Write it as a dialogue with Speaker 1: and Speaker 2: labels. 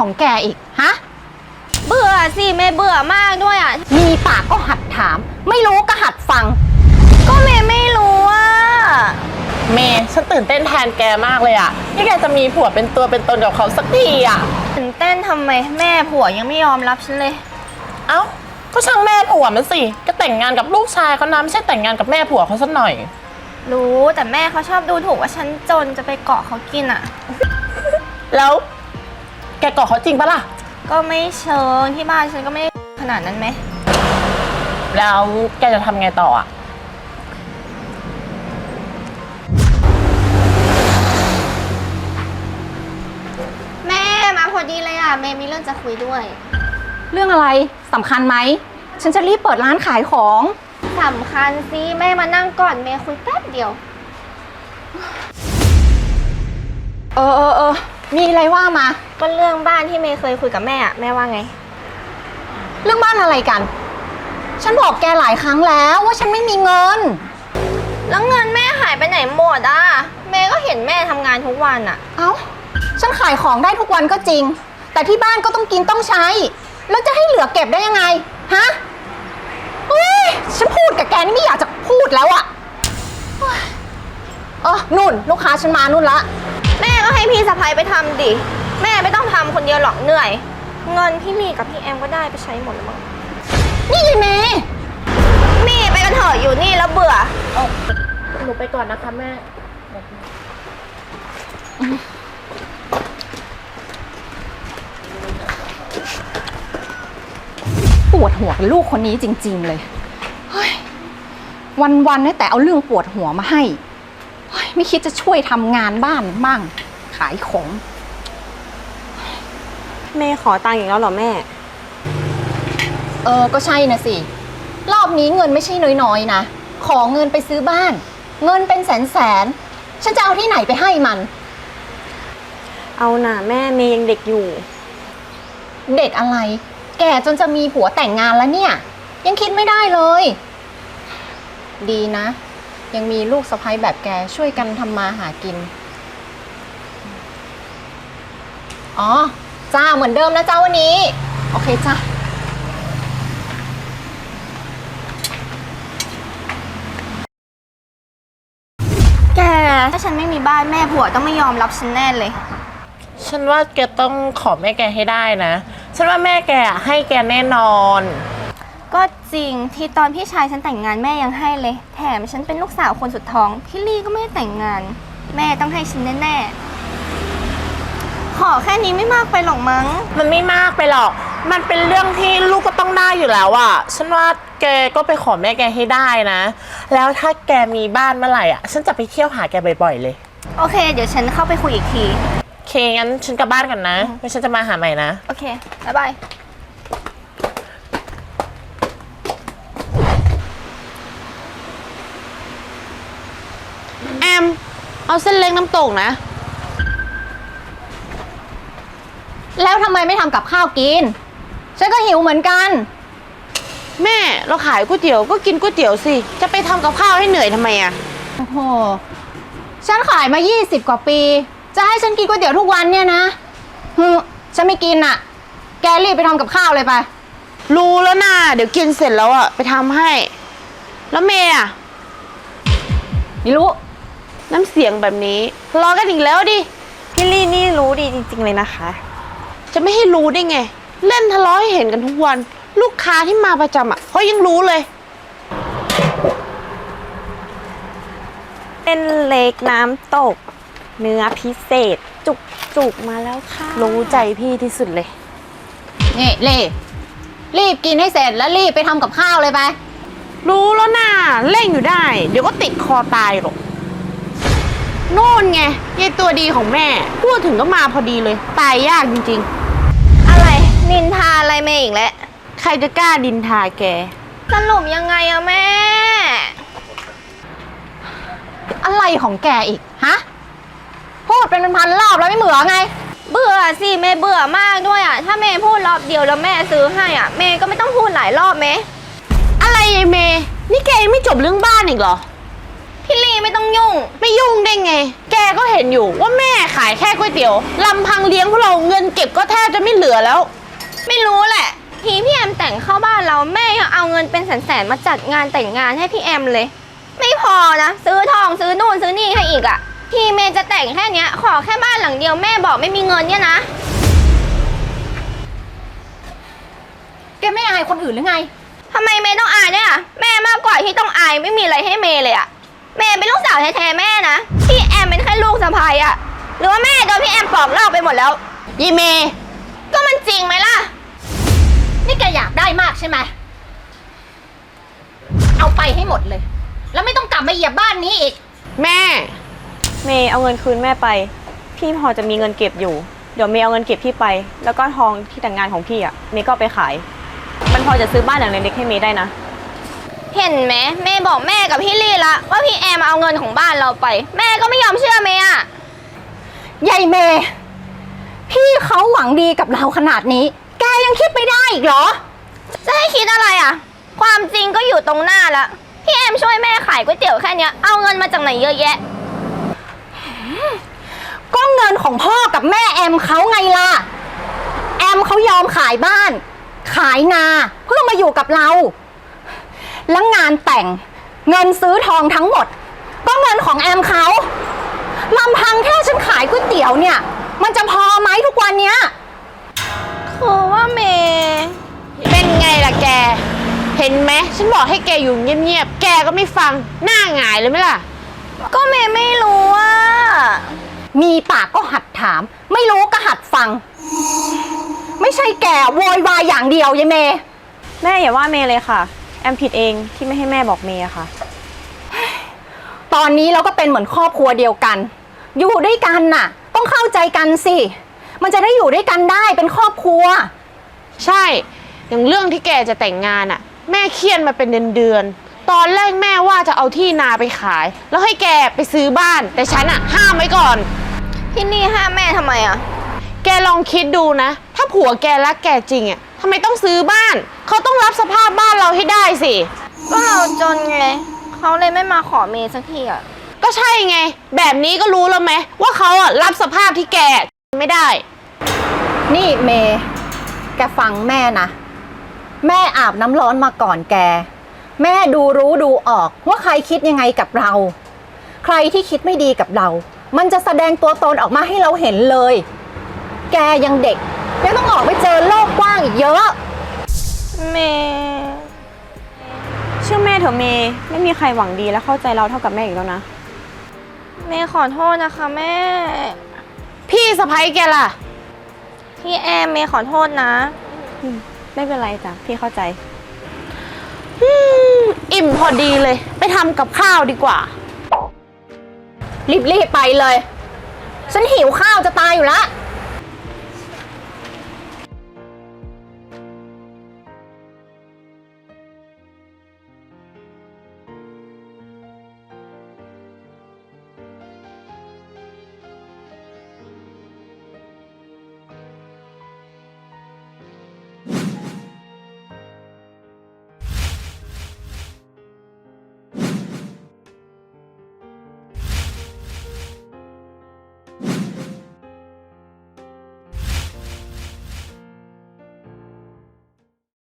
Speaker 1: ของแกอีกฮะ
Speaker 2: เบื่อสิเมย์เบื่อมากด้วยอ่ะ
Speaker 1: มีปากก็หัดถามไม่รู้ก็หัดฟัง
Speaker 2: ก็เมย์ไม่รู้อ่ะ
Speaker 3: เมย์ฉันตื่นเต้นแทนแกมากเลยอะที่แกจะมีผัวเป็นตัวเป็นตนกับเขาสักทีอะ
Speaker 2: ตื่นเต้นทำไมแม่ผัวยังไม่ยอมรับฉันเลย
Speaker 3: เอ้าก็ช่างแม่ผัวมันสิก็แต่งงานกับลูกชายเขานะไม่ใช่แต่งงานกับแม่ผัวเขาสักหน่อย
Speaker 2: รู้แต่แม่เขาชอบดูถูกว่าฉันจนจะไปเกาะเขากินอ่ะ
Speaker 3: แล้วแกเกาะเขาจริงปะล่ะ
Speaker 2: ก็ไม่เชิงที่บ้านฉันก็ไม่ขนาดนั้นไหม
Speaker 3: แล้วแกจะทำไงต่ออะ
Speaker 2: แม่มาพอดีเลยอ่ะเมย์มีเรื่องจะคุยด้วย
Speaker 1: เรื่องอะไรสำคัญไหมฉันจะรีบเปิดร้านขายของ
Speaker 2: สำคัญสิแม่มานั่งก่อนเมย์คุยแป๊บเดียว
Speaker 1: มีอะไรว่ามา
Speaker 2: ก็เรื่องบ้านที่เมย์เคยคุยกับแม่แม่ว่าไง
Speaker 1: เรื่องบ้านอะไรกันฉันบอกแกหลายครั้งแล้วว่าฉันไม่มีเงิน
Speaker 2: แล้วเงินแม่หายไปไหนหมดอ่ะเมย์ก็เห็นแม่ทำงานทุกวันอ่ะ
Speaker 1: เอ้าฉันขายของได้ทุกวันก็จริงแต่ที่บ้านก็ต้องกินต้องใช้แล้วจะให้เหลือเก็บได้ยังไงฮะฉันพูดกับแกนี่ไม่อยากจะพูดแล้วอะนุ่นลูกค้าฉันมานุ่นละ
Speaker 2: แม่ก็ให้พี่สะใภ้ไปทำดิแม่ไม่ต้องทำคนเดียวหรอกเหนื่อยเงินพี่ลีกับพี่แอมก็ได้ไปใช้หมดแล้วมั้ง
Speaker 1: นี่ยายเมย์
Speaker 2: มี่ไปกันเถอะอยู่นี่แล้วเบื่อ
Speaker 3: หนูไปก่อนนะคะแม่
Speaker 1: ปวดหัวกับลูกคนนี้จริงๆเลยวันๆเนี่ยแต่เอาเรื่องปวดหัวมาให้ไม่คิดจะช่วยทำงานบ้านบ้างขายของ
Speaker 2: แม่ขอตังค์อีกแล้วเหรอแม่
Speaker 1: ก็ใช่นะสิรอบนี้เงินไม่ใช่น้อยๆนะขอเงินไปซื้อบ้านเงินเป็นแสนฉันจะเอาที่ไหนไปให้มัน
Speaker 2: เอาน่ะแม่เมย์ยังเด็กอยู่
Speaker 1: เด็กอะไรแก่จนจะมีผัวแต่งงานแล้วเนี่ยยังคิดไม่ได้เลยดีนะยังมีลูกสะใภ้แบบแกช่วยกันทำมาหากินจ้าเหมือนเดิมนะเจ้าวันนี้โอเคจ้า
Speaker 2: แกถ้าฉันไม่มีบ้านแม่ผัวต้องไม่ยอมรับฉันแน่เลย
Speaker 3: ฉันว่าแกต้องขอแม่แกให้ได้นะฉันว่าแม่แกให้แกแน่นอน
Speaker 2: ก็จริงที่ตอนพี่ชายฉันแต่งงานแม่ยังให้เลยแถมฉันเป็นลูกสาวคนสุดท้องพี่ลี่ก็ไม่ได้แต่งงานแม่ต้องให้ฉันแน่ๆขอแค่นี้ไม่มากไปหรอกมั้ง
Speaker 3: มันไม่มากไปหรอกมันเป็นเรื่องที่ลูกก็ต้องได้อยู่แล้วอ่ะฉันว่าแกก็ไปขอแม่แกให้ได้นะแล้วถ้าแกมีบ้านเมื่อไหร่อ่ะฉันจะไปเที่ยวหาแกบ่อยๆเลย
Speaker 2: โอเคเดี๋ยวฉันเข้าไปคุยอีกที
Speaker 3: โอเคงั้นฉันกลับบ้านก่อนนะแล้วฉันจะมาหาใหม่นะ
Speaker 2: โอเคบ๊ายบาย
Speaker 4: แอมเอาเส้นเล็กน้ำตกนะ
Speaker 1: แล้วทำไมไม่ทำกับข้าวกินฉันก็หิวเหมือนกัน
Speaker 4: แม่เราขายก๋วยเตี๋ยวก็กินก๋วยเตี๋ยวสิจะไปทำกับข้าวให้เหนื่อยทำไมอะ
Speaker 1: โอ้โหฉันขายมา20 กว่าปีจะให้ฉันกินก๋วยเตี๋ยวทุกวันเนี่ยนะฉันไม่กินอ่ะแกรีบไปทำกับข้าวเลยไป
Speaker 4: รู้แล้วนะเดี๋ยวกินเสร็จแล้วอะไปทำให้แล้วเมย์อะ
Speaker 1: ไม่รู้
Speaker 4: น้ำเสียงแบบนี้รอกันอีกแล้วดิ
Speaker 2: พี่ลี่นี่รู้ดีจริงๆเลยนะคะ
Speaker 4: จะไม่ให้รู้ได้ไงเล่นทะเลาะให้เห็นกันทุกวันลูกค้าที่มาประจำอะเขายังรู้เลย
Speaker 2: เป็นเล็กน้ำตกเนื้อพิเศษจุกมาแล้วค่ะ
Speaker 4: รู้ใจพี่ที่สุดเลย
Speaker 1: นี่รีบกินให้เสร็จแล้วรีบไปทำกับข้าวเลยไป
Speaker 4: รู้แล้วนะเร่งอยู่ได้เดี๋ยวก็ติดคอตายหรอกโน่นไงยายตัวดีของแม่พูดถึงก็มาพอดีเลยตายยากจริง
Speaker 2: ๆอะไรนินทาอะไรแม่อีกแล้ว
Speaker 4: ใครจะกล้าดินทาแก
Speaker 2: สรุปยังไงอะแม่
Speaker 1: อะไรของแกอีกฮะพูดเป็นพันรอบแล้วไม่เหมือไง
Speaker 2: เบื่อสิแม่เบื่อมากด้วยอะถ้าแม่พูดรอบเดียวแล้วแม่ซื้อให้อะแม่ก็ไม่ต้องพูดหลายรอบไหม
Speaker 4: อะไรยายเมย์นี่แกยังไม่จบเรื่องบ้านอีกเหรอ
Speaker 2: พี่ลีไม่ต้องยุ่ง
Speaker 4: ไม่ยุ่งได้ไงแกก็เห็นอยู่ว่าแม่ขายแค่ก๋วยก๋วยเตี๋ยวลำพังเลี้ยงพวกเราเงินเก็บก็แทบจะไม่เหลือแล้ว
Speaker 2: ไม่รู้แหละ ทีพี่แอมแต่งเข้าบ้านเราแม่ยังเอาเงินเป็นแสนๆมาจัดงานแต่งงานให้พี่แอมเลย ไม่พอนะ ซื้อทองซื้อนู่นซื้อนี่ให้อีกอะทีเมย์จะแต่งแค่เนี้ยขอแค่บ้านหลังเดียวแม่บอกไม่มีเงินเนี่ยนะ
Speaker 1: แกไม่อายคนอื่นหรือไง
Speaker 2: ทำไมเมย์ต้องอายเนี่ยแม่มากกว่าที่ต้องอายไม่มีอะไรให้เมย์เลยอะเมย์เป็นลูกสาวแท้ๆแม่นะพี่แอมเป็นแค่ลูกสะใภ้อะหรือว่าแม่โดนพี่แอมปอกลอกไปหมดแล้ว
Speaker 4: ยีเมย์
Speaker 2: ก็มันจริงไหมล่ะ
Speaker 1: นี่แกอยากได้มากใช่ไหม เอาไปให้หมดเลย แล้วไม่ต้องกลับมาเหยียบบ้านนี้อีก
Speaker 4: แม่
Speaker 5: เมย์เอาเงินคืนแม่ไป พี่พอจะมีเงินเก็บอยู่ เดี๋ยวเมย์เอาเงินเก็บพี่ไป แล้วก็ทองที่แต่งงานของพี่อ่ะ เมย์ก็เอาไปขาย มันพอจะซื้อบ้านหลังเล็กๆให้เมย์ได้นะ
Speaker 2: เห็นไหมเมย์บอกแม่กับพี่ลี่ละว่าพี่แอมเอาเงินของบ้านเราไป แม่ก็ไม่ยอมเชื่อเมย์อะ
Speaker 1: ยายเมย์พี่เขาหวังดีกับเราขนาดนี้ แกยังคิดไม่ได้อีกเหรอ
Speaker 2: จะให้คิดอะไรอะความจริงก็อยู่ตรงหน้าละพี่แอมช่วยแม่ขายก๋วยเตี๋ยวแค่เนี้ยเอาเงินมาจากไหนเยอะแยะ
Speaker 1: ก็เงินของพ่อกับแม่แอมเขาไงล่ะ แอมเขายอมขายบ้าน ขายนาเพื่อมาอยู่กับเรา แล้วงานแต่งเงินซื้อทองทั้งหมด ก็เงินของแอมเขาลำพังแค่ฉันขายก๋วยเตี๋ยวเนี่ย มันจะพอไหมทุกวันเนี้ย
Speaker 2: คือว่าเมย์
Speaker 4: เป็นไงล่ะแก เห็นไหมฉันบอกให้แกอยู่เงียบๆ แกก็ไม่ฟัง หน้าหงายเลยไหมล่ะ
Speaker 2: ก็เมย์ไม่รู้อะ
Speaker 1: มีปากก็หัดถาม ไม่รู้ก็หัดฟัง ไม่ใช่แกโวยวายอย่างเดียวยายเมย์
Speaker 5: แม่อย่าว่าเมย์เลยค่ะ แอมผิดเองที่ไม่ให้แม่บอกเมย์อะค่ะ
Speaker 1: ตอนนี้เราก็เป็นเหมือนครอบครัวเดียวกัน อยู่ด้วยกันน่ะ ต้องเข้าใจกันสิ มันจะได้อยู่ด้วยกันได้เป็นครอบครัว
Speaker 4: ใช่ อย่างเรื่องที่แกจะแต่งงานอะแม่เครียดมาเป็นเดือนๆ ตอนแรกแม่ว่าจะเอาที่นาไปขาย แล้วให้แกไปซื้อบ้าน แต่ฉันอะห้ามไว้ก่อน
Speaker 2: พี่ลี่ห้ามแม่ทำไมอะ
Speaker 4: แกลองคิดดูนะ ถ้าผัวแกรักแกจริงอะทำไมต้องซื้อบ้าน เขาต้องรับสภาพบ้านเราให้ได้สิ
Speaker 2: ก็เราจนไงเขาเลยไม่มาขอเมย์สักทีอะ
Speaker 4: ก็ใช่ไง แบบนี้ก็รู้แล้วไหมว่าเขาอะรับสภาพที่แกไม่ได้
Speaker 1: นี่เมย์แกฟังแม่นะ แม่อาบน้ำร้อนมาก่อนแก แม่ดูรู้ดูออกว่าใครคิดยังไงกับเรา ใครที่คิดไม่ดีกับเรา มันจะแสดงตัวตนออกมาให้เราเห็นเลย แกยังเด็กยังต้องออกไปเจอโลกกว้างอีกเยอะ
Speaker 2: เมย์
Speaker 5: เชื่อแม่เถอะเมย์ไม่มีใครหวังดีและเข้าใจเราเท่ากับแม่อีกแล้วนะ
Speaker 2: เมย์ขอโทษนะคะแม่
Speaker 4: พี่สะพ้ยแกล่ะ
Speaker 2: พี่แอมเมย์ขอโทษนะ
Speaker 5: ไม่เป็นไรจ้ะพี่เข้าใจ
Speaker 4: อิ่มพอดีเลย ไปทำกับข้าวดีกว่า
Speaker 1: รีบๆไปเลย ฉันหิวข้าวจะตายอยู่แล้ว